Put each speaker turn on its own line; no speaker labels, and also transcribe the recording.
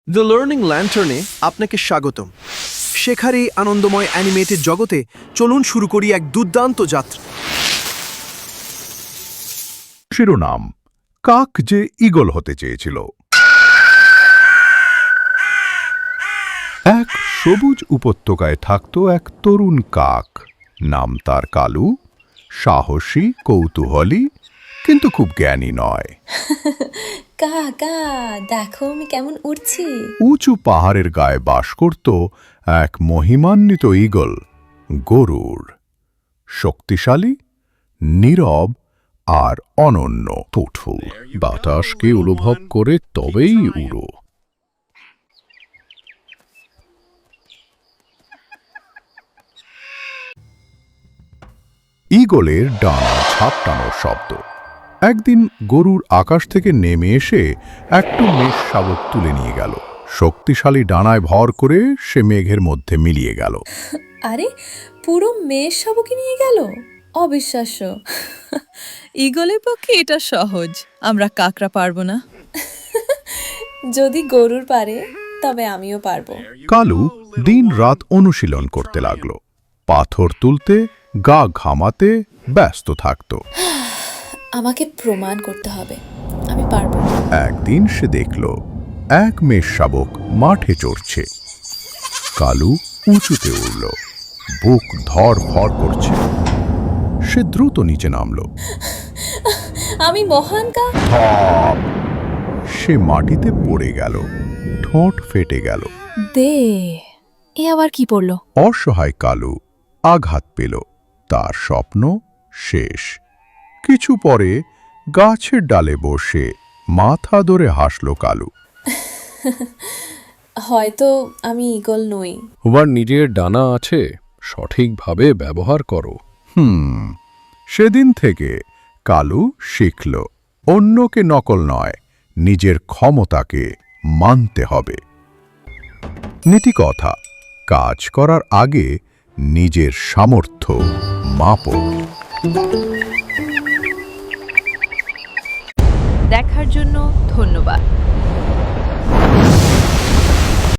The learning ল্যান্টার্নে আপনাকে স্বাগতম। শেখার এই আনন্দময় অ্যানিমেটেড জগতে চলুন শুরু করি এক দুর্দান্ত যাত্রা।
শিরোনাম: কাক যে ঈগল হতে চেয়েছিল। এক সবুজ উপত্যকায় থাকত এক তরুণ কাক। নাম তার কালু। সাহসী, কৌতূহলী, কিন্তু খুব জ্ঞানী নয়।
কাকা দেখো আমি কেমন উড়ছি।
উঁচু পাহাড়ের গায়ে বাস করত এক মহিমান্বিত ঈগল, গরুড়। শক্তিশালী, নীরব আর অনন্য। থটফুল বাতাসকে অনুভব করে তবেই উড়ো। ঈগলের ডানা ঝাপটানোর শব্দ। একদিন গরুর আকাশ থেকে নেমে এসে একটু মেঘ শাবক তুলে নিয়ে গেল। শক্তিশালী ডানায় ভর করে সে মেঘের মধ্যে মিলিয়ে গেল।
আরে পুরো মেয়ের সবকে নিয়ে গেল, অবিশ্বাস্য।
ঈগলের পক্ষে এটা সহজ, আমরা কাকরা পারবো না।
যদি গরুর পারে তবে আমিও পারবো।
কালু দিন রাত অনুশীলন করতে লাগলো। পাথর তুলতে, গা ঘামাতে ব্যস্ত থাকত।
আমাকে প্রমাণ করতে হবে আমি পারবো।
একদিন সে দেখল এক মেষ শাবক মাঠে চড়ছে। কালু উঁচুতে উড়ল, বুক ধড়ফড় করছে। সে দ্রুত নিচে নামল।
আমি মহান কাক।
ধপ! সে মাটিতে পড়ে গেল, ঠোঁট ফেটে গেল।
দে, এ আবার কি পড়লো?
অসহায় কালু আঘাত পেল, তার স্বপ্ন শেষ। কিছু পরে গাছের ডালে বসে মাথা ধরে হাসল কালু।
হয়তো আমি ঈগল নই।
তোমার নিজের ডানা আছে, সঠিকভাবে ব্যবহার করো।
সেদিন থেকে কালু শিখল, অন্যকে নকল নয়, নিজের ক্ষমতাকে মানতে হবে। নীতিকথা: কাজ করার আগে নিজের সামর্থ্য মাপো।
দেখার জন্য ধন্যবাদ।